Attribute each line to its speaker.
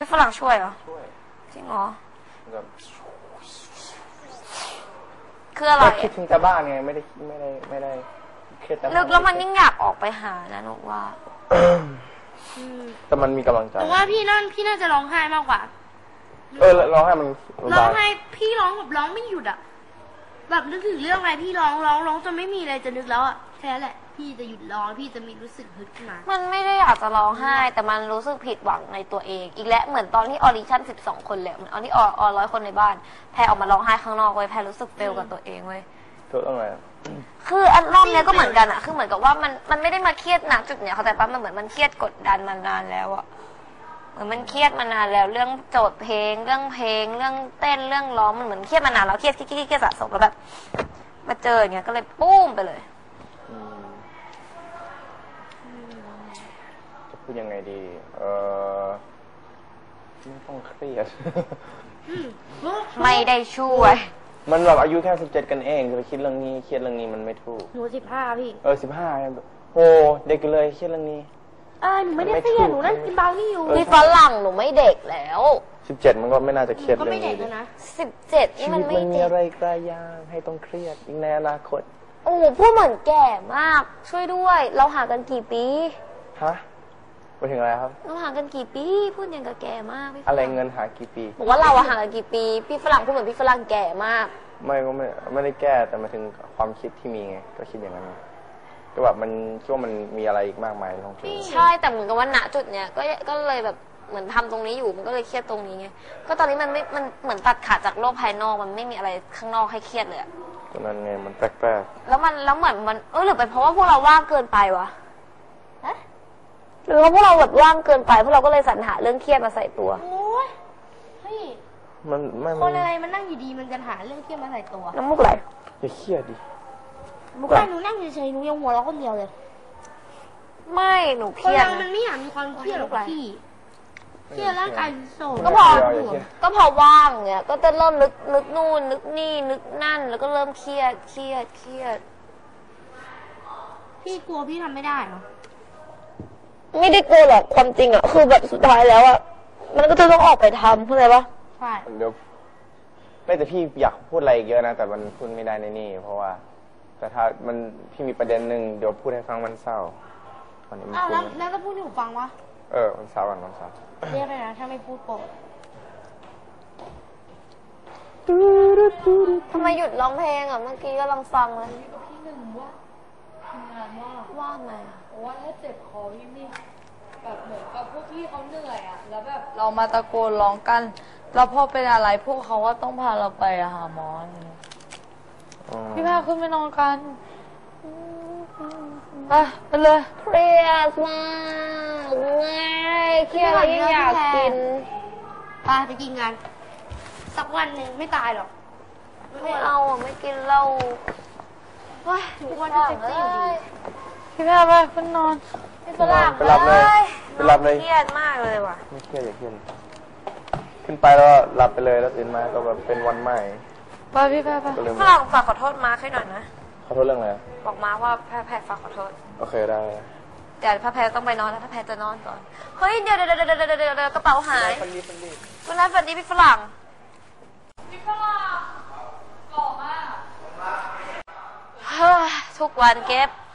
Speaker 1: ฝรั่งช่วยเหรอ
Speaker 2: ช่วย
Speaker 1: จริงเหรอ
Speaker 2: แบบ
Speaker 1: คืออะไร
Speaker 2: คิดถึงแต่บ้านไงไม่ได้คิดแต่
Speaker 1: ลึกแล้วมันยิ่งอยากออกไปหานะหนูว่า
Speaker 2: แต่มันมีกำลังใจ
Speaker 3: หนูว่าพี่น่าจะร้องไห้มากกว่า
Speaker 2: ร้องไห้มัน
Speaker 3: ร้องไห้พี่ร้องแบบร้องไม่หยุดอ่ะแบบนึกถึงเรื่องอะไรพี่ร้องจนไม่มีอะไรจะนึกแล้วอ่ะแค่นั้นแหละพี่จะหยุดร้องพี่จะมีรู้สึกฮึดขึ้นมา
Speaker 1: มันไม่ได้อยากจะร้องไห้แต่มันรู้สึกผิดหวังในตัวเองอีกแล้วเหมือนตอนที่ออดิชั่น12 คนเลยเหมือนตอนที่อ100 คนในบ้านแพรออกมาร้องไห้ข้างนอกเว้ยแพรรู้สึกเฟลกับตัวเองเว้ย
Speaker 2: ตัวอะไร
Speaker 1: คืออันรอบนี้ก็เหมือนกันอะคือเหมือนกับว่ามันไม่ได้มาเครียดนะจุดเนี้ยเขาแต่ปั๊บมันเหมือนมันเครียดกดดันมานานแล้วอะเหมือนมันเครียดมานานแล้วเรื่องโจทย์เพลงเรื่องเต้นเรื่องร้องมันเหมือนเครียดมานานแล้วเครียดสะสมแล้วแบบมาเจออย่างเงี้ยก็เลยปุ้มไปเลย
Speaker 2: จะพูดยังไงดีไม่ต้องเครียด
Speaker 1: ไม่ได้ช่วย
Speaker 2: มันแบบอายุแค่17กันเองจะไปคิดเรื่องนี้เครียดเรื่องนี้มันไม่ถูก
Speaker 3: หนู15พี่
Speaker 2: 15โอ้เด็กเลยเครียดเรื่องนี้
Speaker 3: หนูไม่ได้เครียดหนูนั่งกินเบานี่อยู่
Speaker 1: พี่ฝรั่งหนูไม่เด็กแล้ว
Speaker 2: 17มันก็ไม่น่าจะเครียดเรื่องนี้
Speaker 3: นะ
Speaker 1: 17นี่มันไม่
Speaker 2: เด็กมีอะไรกระยางให้ต้องเครียดอีกในอนาคต
Speaker 1: โอ้พูดเหมือนแก่มากช่วยด้วยเราห่างกันกี่ปี
Speaker 2: ฮะไปถึงอะไรครับ
Speaker 1: เราห่างกันกี่ปีพูดอย่างกับแก่มาก
Speaker 2: อะไรเงินหากี่ปี
Speaker 1: บอกว่าเราห่างกันกี่ปีพี่ฝรั่งพูดเหมือนพี่ฝรั่งแก่มาก
Speaker 2: ไม่ได้แก้แต่มาถึงความคิดที่มีไงก็คิดอย่างนั้นก็แบบมันคิดว่ามันมีอะไรอีกมากมายต้อง
Speaker 1: ใช่แต่เหมือนกับว่าณจุดเนี้ยก็เลยแบบเหมือนทำตรงนี้อยู่มันก็เลยเครียดตรงนี้ไงก็ตอนนี้มันเหมือนตัดขาดจากโลกภายนอกมันไม่มีอะไรข้างนอกให้เครียดเลย
Speaker 2: ตอนนั้นไงมันแปลก
Speaker 1: ๆแล้วเหมือนมันหรือเป็นเพราะว่าพวกเราว่างเกินไปวะหรือว่าพวกเราแบบว่างเกินไปพวกเราก็เลยสรรหาเรื่องเครียดมาใส่ตัว
Speaker 3: โอ้ยเฮ้ย
Speaker 2: มันไม่
Speaker 3: คนอะไรมันนั่งอยู่ดีมันจะหาเรื่องเครียดมาใส่ตัว
Speaker 1: น้ำมุกไหล
Speaker 2: อย่าเครียดดิ
Speaker 3: มุกไหลหนูนั่งเฉยๆหนูยังหัวเราะคนเดียวเลย
Speaker 1: ไม่หนูเครียด
Speaker 3: นะมันไม่อยากมีความเครียดหรอกพี่เครียดร่างกายโศก
Speaker 1: ก็พอว่างเนี่ยก็จะเริ่มนึกนู่นนึกนี่นึกนั่นแล้วก็เริ่มเครียด
Speaker 3: พี่กลัวพี่ทำไม่ได้เหรอ
Speaker 1: ไม่ได้กลัวหรอกความจริงอ่ะคือแบบสุดท้ายแล้วอ่ะมันก็จะต้องออกไปทำเข้าใจปะ
Speaker 3: ใช่
Speaker 2: เดี๋ยวแต่พี่อยากพูดอะไรเยอะนะแต่มันพูดไม่ได้ในนี่เพราะว่าแต่ถ้ามันพี่มีประเด็นหนึ่งเดี๋ยวพูดให้ฟังมันเศร้า
Speaker 3: แล้วก็พูดให้หนูฟังวะ
Speaker 2: มันเศร้ามันเศร้า
Speaker 3: เรียกเลยนะถ้าไม่พูดโกรธ
Speaker 1: ทำไมหยุดร้องเพลงอ่ะเมื่อกี้กำลังฟังเลย
Speaker 4: พี่หนึ่งว่าทำงาน
Speaker 1: ว่าไง
Speaker 4: ว่าถ้าเจ็บคอพี่นี่แบบเหมือนกับพวกพี่เขาเหนื่อยอ่ะแล้วแบบเรามาตะโกนร้องกันแล้วพอเป็นอะไรพวกเขาก็ต้องพาเราไปหาหมอพี่พาขึ้นไปนอนกันไปเลย
Speaker 1: เครียดมากเครียดแล้วยังอยากกิน
Speaker 3: ไปกินกันสักวันหนึ่งไม่ตายหรอก
Speaker 1: ไม่เอาไม่กินเหล้า
Speaker 3: ว้ายทุกวันจะเจ็บอยู่ดี
Speaker 4: พี่พาไปขึ้นนอน
Speaker 1: พี่ฝรั่ง
Speaker 2: ไปหลับเลย
Speaker 1: เครียดมากเลยว่ะ
Speaker 2: ไม่เครียดอย่าเครียดขึ้นไปแล้วหลับไปเลยแล้วตื่นมาก็แบบเป็นวันใหม่
Speaker 4: ไปพี่พาไป
Speaker 1: ฝรั่งฝากขอโทษมาร์คให้หน่อยนะ
Speaker 2: ขอโทษเรื่องอะไร
Speaker 1: บอกมาว่าแพรฝากขอโทษ
Speaker 2: โอเคได้
Speaker 1: เดี๋ยวแพรต้องไปนอนแล้วแพรจะนอนก่อนเฮ้ยเดี๋ยวกระเป๋าหายคุณนายฝันดีพี่ฝรั่งหล่อมากทุกวันเก็บ